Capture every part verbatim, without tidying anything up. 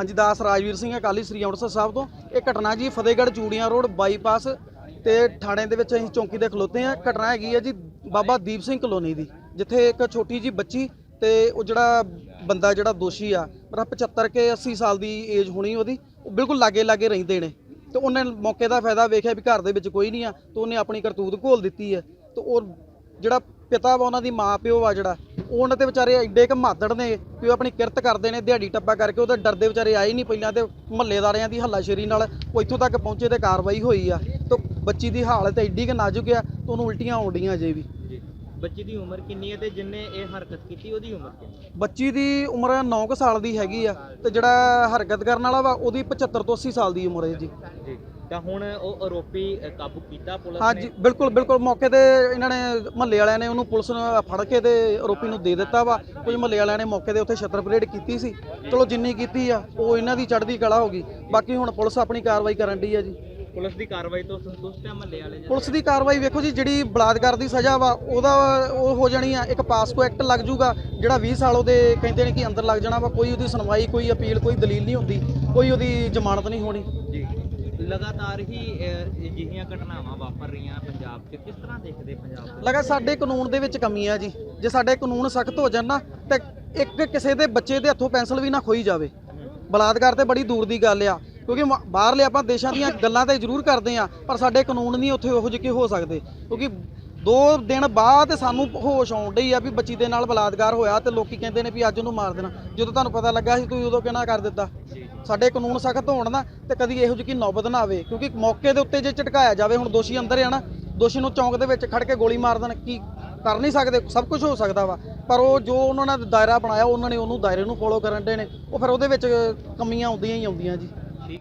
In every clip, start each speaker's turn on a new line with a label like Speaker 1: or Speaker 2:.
Speaker 1: हाँ जी, दास राजवीर सिंह अकाली श्री अंमृतसर साहब तो ये घटना जी फतेहगढ़ चूड़ियां रोड बाईपास ते थाने दे विच असीं चौंकी दे खलोते हैं। घटना हैगी है जी बाबा दीप सिंह कलोनी दी, जिथे एक छोटी जी बच्ची ते वो जिहड़ा बंदा जिहड़ा दोषी आ मेरा पचहत्तर के अस्सी साल की एज होनी ओहदी, बिल्कुल लागे लागे रहिंदे ने। तो उन्हें मौके का फायदा वेख्या भी घर दे विच कोई नहीं आ, तो उन्हें अपनी करतूत घोल दी है। तो और जिहड़ा पिता वा उन्हां दी माँ प्यो आ जिहड़ा उन्होंने तो बेचारे एडे क मादड़ ने कि वो अपनी किरत करते हैं, दिहाड़ी टप्पा करके वो डरते बेचारे आए नहीं पहले तो मुहल्लेदारियां की हल्लाशेरी नाल वो इत्थों तक पहुंचे तो कार्रवाई हुई आ। तो बच्ची की हालत एड्डी क नाजुक है तो उन्होंने उल्टियां आउण डीआं अजे भी।
Speaker 2: बच्ची की उम्र कितनी है ते जिन्ने ये हरकत की ओदी उम्र कितनी?
Speaker 1: बच्ची की उम्र नौ क साल की हैगी आ ते जिहड़ा हरकत करन वाला वा ओहदी पचहत्तर तो अस्सी साल की उम्र है जी।
Speaker 2: जी ਤਾਂ ਹੁਣ ਉਹ ਆਰੋਪੀ ਕਾਬੂ ਕੀਤਾ ਪੁਲਿਸ ਨੇ?
Speaker 1: हाँ जी बिल्कुल बिल्कुल, मौके ते इन्होंने मुहल्ले वालियां ने उन्होंने पुलिस ने फड़ के ते आरोपी नूं दे दिता वा। कुछ मुहल्ले वालियां ने मौके ते उत्थे छत्तर परेड की सी, चलो जिन्नी की आ वो इन्हां दी चढ़दी कला हो गई। बाकी हुण पुलिस अपनी कार्रवाई करन डी है जी।
Speaker 2: पुलिस की कार्रवाई तो संतुष्ट है मुहल्ले वाले?
Speaker 1: पुलिस की कार्रवाई वेखो जी, जिहड़ी बलात्कार की सज़ा वा ओहदा वो हो जानी आ, एक पासको एक्ट लग जूगा जिहड़ा बीस साल ओहदे कहंदे ने कि अंदर लग जाना वा। कोई ओहदी सुनवाई कोई अपील कोई दलील नहीं होंदी, कोई ओहदी जमानत नहीं होनी
Speaker 2: जी। लगातार ही अजिहियां घटनावां वापर रहीਆਂ पंजाब 'ਚ, किस तरह देखते पंजाब?
Speaker 1: लगा साडे कानून दे विच कमी है जी। जे साडे कानून सख्त हो जाण ना ते एक किसी दे बच्चे दे हत्थों पेंसिल भी ना खोई जावे। बलात्कार ते बड़ी दूर दी गल आ, क्योंकि बाहरले आपां देशां दीयां गल्लां ते जरूर करदे आ पर साडे कानून नहीं उत्थे ओहो जिहे हो सकदे। क्योंकि दो दिन बाद सानू होश आउण डई आ भी बच्ची दे नाल बलात्कार होया ते लोकी कहंदे ने भी अज उहनूं मार देना। जदों तुहानूं पता लगा सी तुसीं उदों किहना कर दित्ता। साडे कानून सख्त होण ना ते कदी इहो जी नौबत ना आवे, क्योंकि मौके दे उत्ते जे झटकाया जावे, हुण दोषी अंदर है ना, दोषी नूं चौंक दे विच खड़ के गोली मार देण की कर नहीं सकते, सब कुछ हो सकता वा। पर वो जो उन्होंने दायरा बनाया उन्होंने उन्होंने दायरे नूं फॉलो करन दे ने, वो फिर उहदे विच कमियां आउंदियां ही आउंदियां जी।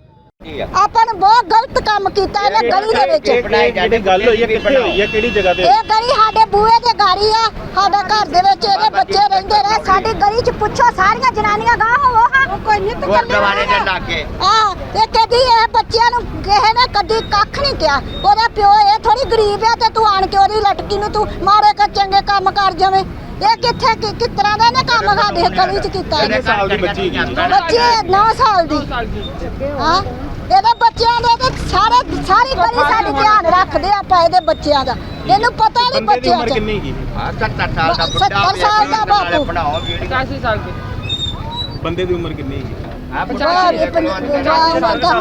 Speaker 3: ਆਪਾਂ ਨੇ ਬਹੁਤ ਗਲਤ ਕੰਮ ਕੀਤਾ ਇਹਨੇ ਗਲੀ ਦੇ ਵਿੱਚ।
Speaker 4: ਜਿਹੜੀ ਗੱਲ ਹੋਈ ਹੈ ਕਿੱਥੇ ਹੋਈ ਹੈ, ਕਿਹੜੀ ਜਗ੍ਹਾ ਤੇ?
Speaker 3: ਇਹ ਗਲੀ ਸਾਡੇ ਬੂਹੇ ਤੇ ਗਾੜੀ ਆ, ਸਾਡੇ ਘਰ ਦੇ ਵਿੱਚ ਇਹਦੇ ਬੱਚੇ ਰਹਿੰਦੇ ਰਹੇ। ਸਾਡੀ ਗਲੀ 'ਚ ਪੁੱਛੋ ਸਾਰੀਆਂ ਜਨਾਨੀਆਂ ਗਾਹ ਹੋਵੋ ਹਾਂ ਕੋਈ ਨਿੱਤ
Speaker 4: ਗੁਰਦੁਆਰੇ ਦੇ ਲਾਗੇ
Speaker 3: ਆ ਤੇ ਕਦੀ ਇਹ ਬੱਚਿਆਂ ਨੂੰ ਕਿਸੇ ਨੇ ਕਦੀ ਕੱਖ ਨਹੀਂ ਕਿਹਾ। ਉਹਦਾ ਪਿਓ ਇਹ ਥੋੜੀ ਗਰੀਬ ਆ ਤੇ ਤੂੰ ਆਣ ਕੇ ਉਹਦੀ ਲਟਕੀ ਨੂੰ ਤੂੰ ਮਾਰੇ ਕਰ ਚੰਗੇ ਕੰਮ ਕਰ ਜਾਵੇਂ। ਇਹ ਕਿੱਥੇ ਕਿਸ ਤਰ੍ਹਾਂ ਦਾ ਇਹਨੇ ਕੰਮ ਸਾਡੇ ਗਲੀ 'ਚ ਕੀਤਾ?
Speaker 4: ਕਿੰਨੇ ਸਾਲ ਦੀ ਬੱਚੀ ਹੈਗੀ?
Speaker 3: ਬੱਚੀ ਨੌ ਸਾਲ ਦੀ। ਹਾਂ ਇਹਦੇ ਬੱਚਿਆਂ ਦੇ ਤੇ ਸਾਰੇ ਸਾਰੀ ਗਲੀ ਸਾਡੀ ਧਿਆਨ ਰੱਖਦੇ ਆਪਾਂ ਇਹਦੇ ਬੱਚਿਆਂ ਦਾ। ਇਹਨੂੰ ਪਤਾ ਨਹੀਂ ਬੱਚਿਆਂ
Speaker 4: ਉਮਰ
Speaker 3: ਦਾ।
Speaker 4: ਕਿੰਨੀ ਹੈਗੀ?
Speaker 3: ਹਾਂ ਸੱਤਰ ਸਾਲ ਦਾ ਬੁੱਢਾ ਸੱਤਰ ਸਾਲ ਦਾ ਬਾਪੂ
Speaker 4: ਬੰਦੇ ਦੀ ਉਮਰ ਕਿੰਨੀ ਹੈਗੀ?
Speaker 3: ਪੰਜਾਹ